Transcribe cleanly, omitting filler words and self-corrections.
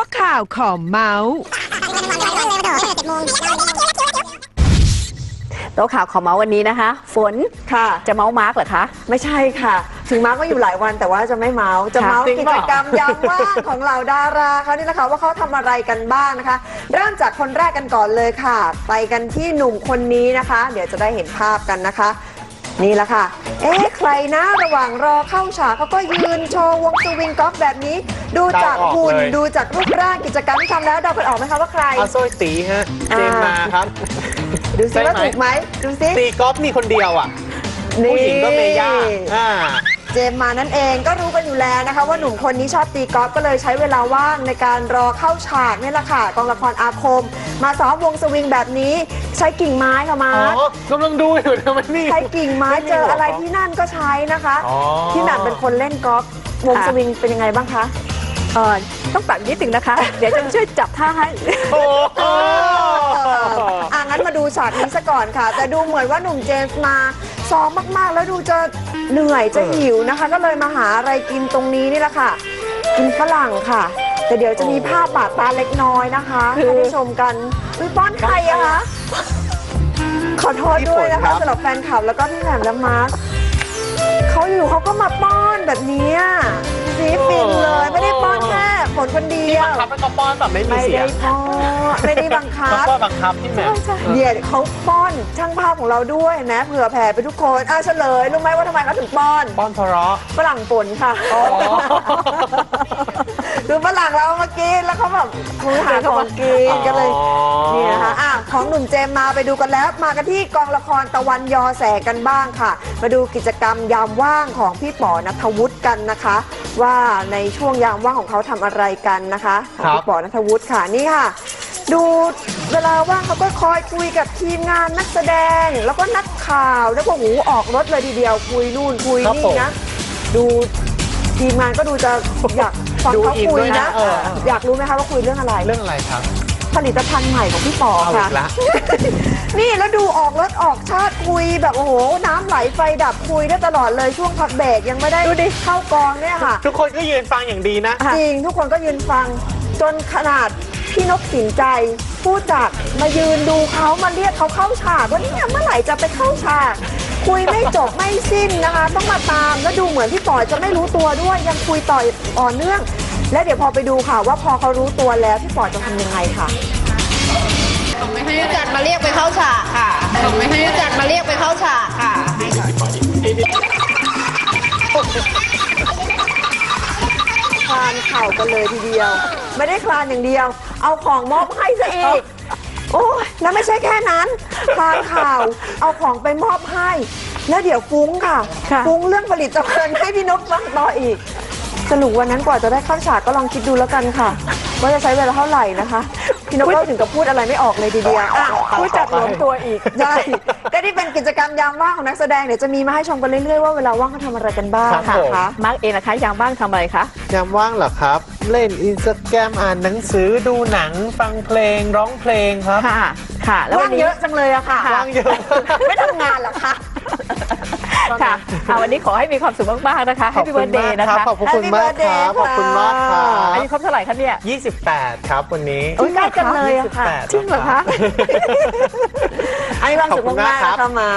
ะข่าวขอเมาส์โต๊ะข่าวขอเมาส์วันนี้นะคะฝนค่ะจะเมาส์มาร์กเหรอคะไม่ใช่ค่ะถึงมาร์กก็อยู่หลายวันแต่ว่าจะไม่เมาส์จะเมาส์กิจกรรมยามว่างของเหล่าดาราเขานี่แหละค่ะว่าเขาทำอะไรกันบ้างนะคะเริ่มจากคนแรกกันก่อนเลยค่ะไปกันที่หนุ่มคนนี้นะคะ เดี๋ยวจะได้เห็นภาพกันนะคะนี่แหละค่ะใครนะระหว่างรอเข้าฉากเขาก็ยืนโชว์วงสวิงกอล์ฟแบบนี้ดูจากหุ่นดูจากรูปร่างกิจกรรมที่ทำแล้วเดากันออกไหมคะว่าใครอาโซ่ตีฮะเจมมาครับดูสิว่าถูกไหมดูสิตีกอล์ฟมีคนเดียวอ่ะผู้หญิงก็เมย่าเจมมานั่นเองก็รู้กันอยู่แล้วนะคะว่าหนุ่มคนนี้ชอบตีกอล์ฟก็เลยใช้เวลาว่างในการรอเข้าฉากนี่แหละค่ะกองละครอาคมมาซ้อมวงสวิงแบบนี้ใช้กิ่งไม้ค่ะมาร์คกำลังดูอยู่ทำไมนี่ใช้กิ่งไม้เจออะไรที่นั่นก็ใช้นะคะพี่แหม่มเป็นคนเล่นกอล์ฟวงสวิงเป็นยังไงบ้างคะต้องปรับนิดนึงนะคะ เดี๋ยวจะช่วยจับท่าให้งั้นมาดูฉากนี้ซะก่อนค่ะแต่ดูเหมือนว่าหนุ่มเจมส์มาซ้อมมากๆแล้วดูจะเหนื่อยจะหิวนะคะก็เลยมาหาอะไรกินตรงนี้นี่แหละค่ะกินฝรั่งค่ะแต่เดี๋ยวจะมีภาพบาดตาเล็กน้อยนะคะให้ได้ชมกันป้อนใครอะคะขอโทษด้วยนะคะสำหรับแฟนคลับแล้วก็พี่แหม่มและมาร์คเขาอยู่เขาก็มาป้อนแบบนี้ซีฟินเลยไม่ได้ป้อนแค่ฝนคนเดียวบังคับให้เขาป้อนแบบไม่มีเสียงไม่ได้บังคับก็บังคับพี่แหม่มเดี๋ยวเขาป้อนช่างภาพของเราด้วยนะเผื่อแผ่ไปทุกคนเฉลยรู้ไหมว่าทำไมเขาถึงป้อนเพราะฝรั่งฝนค่ะคือฝรั่งเรามากินแล้วเขาแบบคือหาของกินกันเลยนี่นะคะของหนุ่มเจมมาไปดูกันแล้วมากันที่กองละครตะวันยอแสกันบ้างค่ะมาดูกิจกรรมยามว่างของพี่ป๋อณัฐวุฒิกันนะคะว่าในช่วงยามว่างของเขาทำอะไรกันนะคะของพี่ป๋อณัฐวุฒิค่ะนี่ค่ะดูเวลาว่างเขาก็คอยคุยกับทีมงานนักแสดงแล้วก็นักข่าวแล้วก็ออกรถเลยทีเดียวคุยนู่นคุยนี่นะดูทีมงานก็ดูจะอยากฟังเขาคุยนะอยากรู้ไหมคะว่าคุยเรื่องอะไรครับผลิตภัณฑ์ใหม่ของพี่ป๋อค่ะนี่แล้วดูออกรถออกชาติคุยแบบโอ้โหน้ำไหลไฟดับคุยได้ตลอดเลยช่วงพักเบรกยังไม่ได้เข้ากองเนี่ยค่ะทุกคนก็ยืนฟังอย่างดีนะจริงทุกคนก็ยืนฟังจนขนาดพี่นกสินใจผู้จัดมายืนดูเขามาเรียกเขาเข้าฉากว่าเนี่ยเมื่อไหร่จะไปเข้าฉากคุยไม่จบไม่สิ้นนะคะต้องมาตามแล้วดูเหมือนพี่ป๋อจะไม่รู้ตัวด้วยยังคุยต่อเนื่องและเดี๋ยวพอไปดูค่ะว่าพอเขารู้ตัวแล้วพี่ป๋อจะทำยังไงค่ะไม่ให้จัดมาเรียกไปเข้าฉากค่ะไม่ให้จัดมาเรียกไปเข้าฉากค่ะคลานเข่ากันเลยทีเดียวไม่ได้คลานอย่างเดียวเอาของมอบให้ซะอีกโอ้ยแล้วไม่ใช่แค่นั้นคลานเข่าเอาของไปมอบให้แล้วเดี๋ยวฟุ้งค่ะฟุ้งเรื่องผลิตภัณฑ์ให้พี่นกฟังต่ออีกสรุปวันนั้นกว่าจะได้เข้าฉากก็ลองคิดดูแล้วกันค่ะว่าจะใช้เวลาเท่าไหร่นะคะพี่นกก็ถึงกับพูดอะไรไม่ออกเลยทีเดียวพูดจัดล้มตัวอีกใช่ก็ที่เป็นกิจกรรมยามว่างของนักแสดงเดี๋ยวจะมีมาให้ชมกันเรื่อยๆว่าเวลาว่างเขาทำอะไรกันบ้างค่ะมาร์กเองนะคะยามว่างทำอะไรคะยามว่างเหรอครับเล่นอินสตาแกรมอ่านหนังสือดูหนังฟังเพลงร้องเพลงครับค่ะแล้วว่างเยอะจังเลยอะค่ะว่างเยอะไม่ทำงานหรอคะค่ะวันนี้ขอให้มีความสุขมากๆนะคะให้พี่เบิร์ดเดย์นะคะขอบคุณมากครับขอบคุณมากครับอายุครบเท่าไหร่คะเนี่ย 28ครับวันนี้ใกล้กันเลยอะค่ะจริงเหรอคะให้ความสุขมากๆนะคะมา